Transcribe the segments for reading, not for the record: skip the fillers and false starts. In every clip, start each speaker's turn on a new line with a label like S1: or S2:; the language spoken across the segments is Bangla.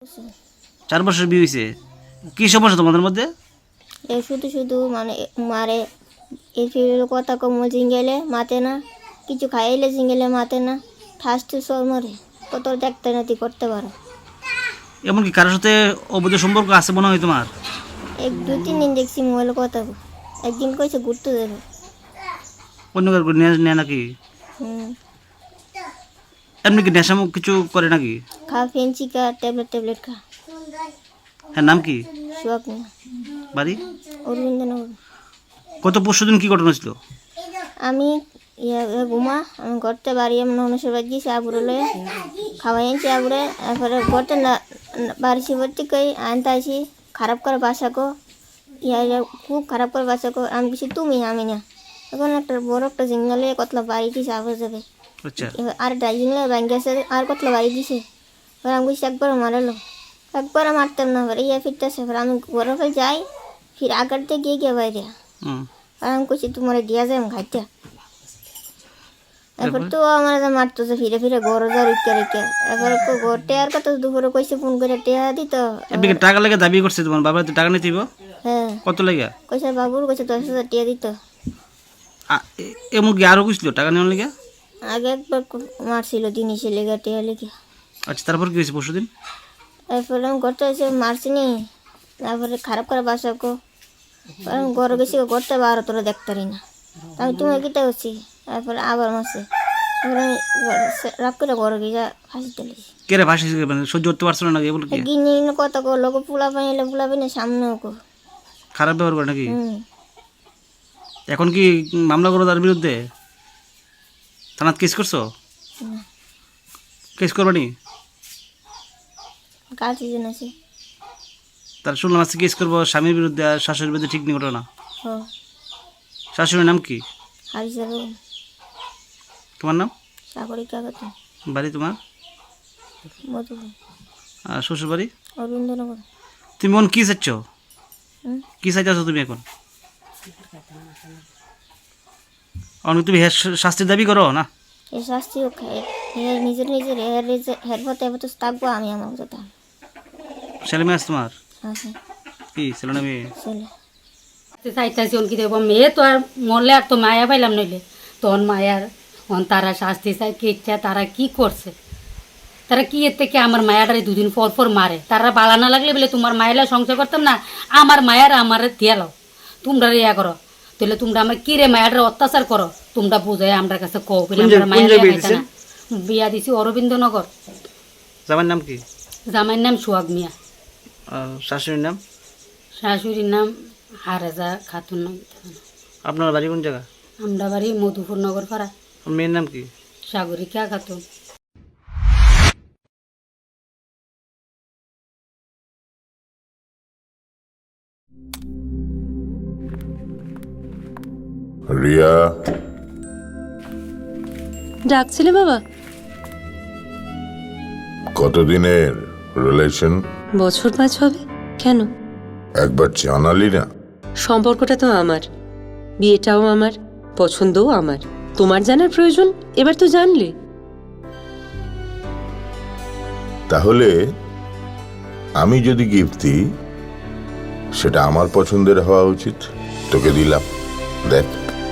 S1: 4 বছর বিয়ে হয়েছে। কি সমস্যা তোমাদের মধ্যে?
S2: এ শুধু শুধু মানে মারে, এই ফিরে কথা কম জিঙ্গেলে মাতে না, কিছু খাইলে জিঙ্গেলে মাতে না, ঠাসতে সর মরে কত দেখতে নাতি করতে পারো।
S1: এমনকি কারোর সাথে অবৈধ সম্পর্ক আছে মনে হয় তোমার?
S2: 2-3 দিন দেখছি মোবাইলে কথা কো, একদিন কইছে ঘুরতে যাবে।
S1: অন্য কারো নেয় নাকি? এমনি কি নেশা কিছু করে নাকি?
S2: খা ফেন্সি খা, ট্যাবলেট খা।
S1: হ্যাঁ, নাম কি?
S2: শোক না
S1: বাড়ি?
S2: অরবিন্দনগর।
S1: গত পরশুদিন কি ঘটনা ছিল?
S2: আমি ঘুমা, আমি ঘরতে বাড়ি এমন মানুষের বাড়ি গেছি আবুরে লয়ে খাওয়াই আনছি আবুরে, তারপরে ঘরতে না বাড়িছি ভর্তি কই আনতে আসি খারাপ করে বাসাকো, খুব খারাপ করে বাসাকো। আমি কিছু তুমি আমি না, এখন একটা বড় একটা জিঙ্গলে কতলা বাড়ি দিছে আবার যাবে।
S1: আচ্ছা,
S2: এবার আর জিঙ্গলে ব্যাংক গেছে আর কতলা বাড়ি দিছে। এবার আমি কিছু একবার মারালো, একবার মারতাম না, এবার ফিরতেছে, এবার আমি ঘরে ফেলে যাই, ফির আগারতে গিয়ে বাইরে আর আমি কইছি তোমার দিয়া যায় আমি খাইতে। এরপর তো আমার মারতেছে ফিরে ফিরে ঘর যা রেখে রেখে, এবার ঘরটে আর কত দুপুরে কইছে ফোন করে টেয়া দিত।
S1: এমনি কি টাকা লাগে দাবি করছে তোমার বাবা? তো টাকা নিতে দিব?
S2: হ্যাঁ,
S1: কত লাগে?
S2: কইছে বাবুর কইছে 10,000 টিয়া দিত।
S1: এমন কি আরো কইছিল টাকা নেওয়ার লেগে?
S2: আগে একবার মারছিল জিনিসের লেগে টিয়া লেগে।
S1: আচ্ছা, তারপর কি হয়েছে পরশুদিন?
S2: এরপরে আমি ঘরটা এসে মারছিনি, তারপরে খারাপ করে বাসাকো, আমি ঘরে গেছি ঘরটা বার তোরা দেখতারি না, আমি তুমি কিতা করছি, তারপরে আবার মারছে। এবার আমি রাগ করে ঘরে গিয়ে ফাঁসি তুলেছি।
S1: কে রে ফাঁসি সহ্য করতে পারছো না নাকি? বল কি
S2: গিনি কত কো লোক পোলা পানি এলে পোলা পানি সামনেও কো
S1: খারাপ ব্যবহার করে নাকি? এখন কি মামলা করো তার বিরুদ্ধে? থানাত কেস করছো? কেস করবে নি?
S2: কার সিজন আছে?
S1: তার শুনলাম আজকে কেস করবো স্বামীর বিরুদ্ধে আর শাশুড়ির বিরুদ্ধে। ঠিক নেই ঘটনা? শাশুড়ির নাম কি?
S2: হারিসা বেগম।
S1: তোমার নাম?
S2: সাগরিকা খাতুন।
S1: বাড়ি তোমার?
S2: মধুপুর।
S1: আর শ্বশুর বাড়ি?
S2: অরবিন্দনগর।
S1: তুমি এখন কি চাচ্ছ? কি চাইতেছো তুমি এখন? অনেক তুমি শাস্তির দাবি করো না?
S2: এই শাস্তি নিজের হের পথে এবার তো থাকবো আমি আমার কথা।
S1: ছেলে মেয়ে আছে তোমার?
S2: আছে
S1: কি ছেলে না মেয়ে?
S2: ছেলে।
S3: চাইতেছি কি দেবো মেয়ে তো আর মরলে আর তো মায়া পাইলাম নইলে তখন মায়ার তারা শাস্তি চাই কি ইচ্ছা তারা কি করছে, তারা কি এর থেকে আমার মায়াটারে 2 দিন পর পর মারে। তারা বালা না লাগলে বলে তোমার মায়েরা সংসার করতাম না, আমার মায়ের আমার দিয়ালো তোমরা ইয়া করো, তাহলে তোমরা আমার কি রে মায়াটারে অত্যাচার করো তোমরা বুঝাই আমার কাছে কও বলে আমার মায়ের বিয়া দিছি অরবিন্দনগর।
S1: জামাইয়ের নাম কি?
S3: জামাইয়ের নাম সোহাগ মিয়া।
S1: শাশুড়ির নাম?
S3: শাশুড়ির নাম হারেজা খাতুন। নাম
S1: আপনার বাড়ি কোন জায়গা?
S3: আমরা বাড়ি মধুপুর নগর পাড়া।
S1: মেয়ের নাম কি?
S3: সাগরিকা খাতুন।
S4: রিয়া,
S5: ডাকছিলে বাবা?
S4: কতদিনের রিলেশন?
S5: বছর 5 হবে। কেন?
S4: একবার জানালি না?
S5: সম্পর্কটা তো আমার, বিয়েটাও আমার, পছন্দও আমার। তোমার জানার প্রয়োজন এবার তো জানলে।
S4: তাহলে আমি যদি গিফট দিই সেটা আমার পছন্দের হওয়া উচিত। তোকে দিলাম, দেখ।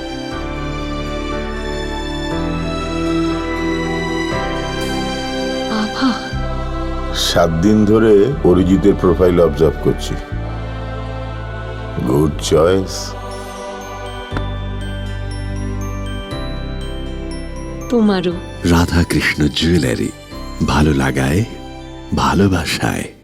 S5: বাবা,
S4: 7 দিন ধরে অরিজিতের প্রোফাইল অবজার্ভ করছি। Good choice.
S5: তোমারও।
S6: রাধাকৃষ্ণ জুয়েলারি, ভালো লাগায় ভালোবাসায়।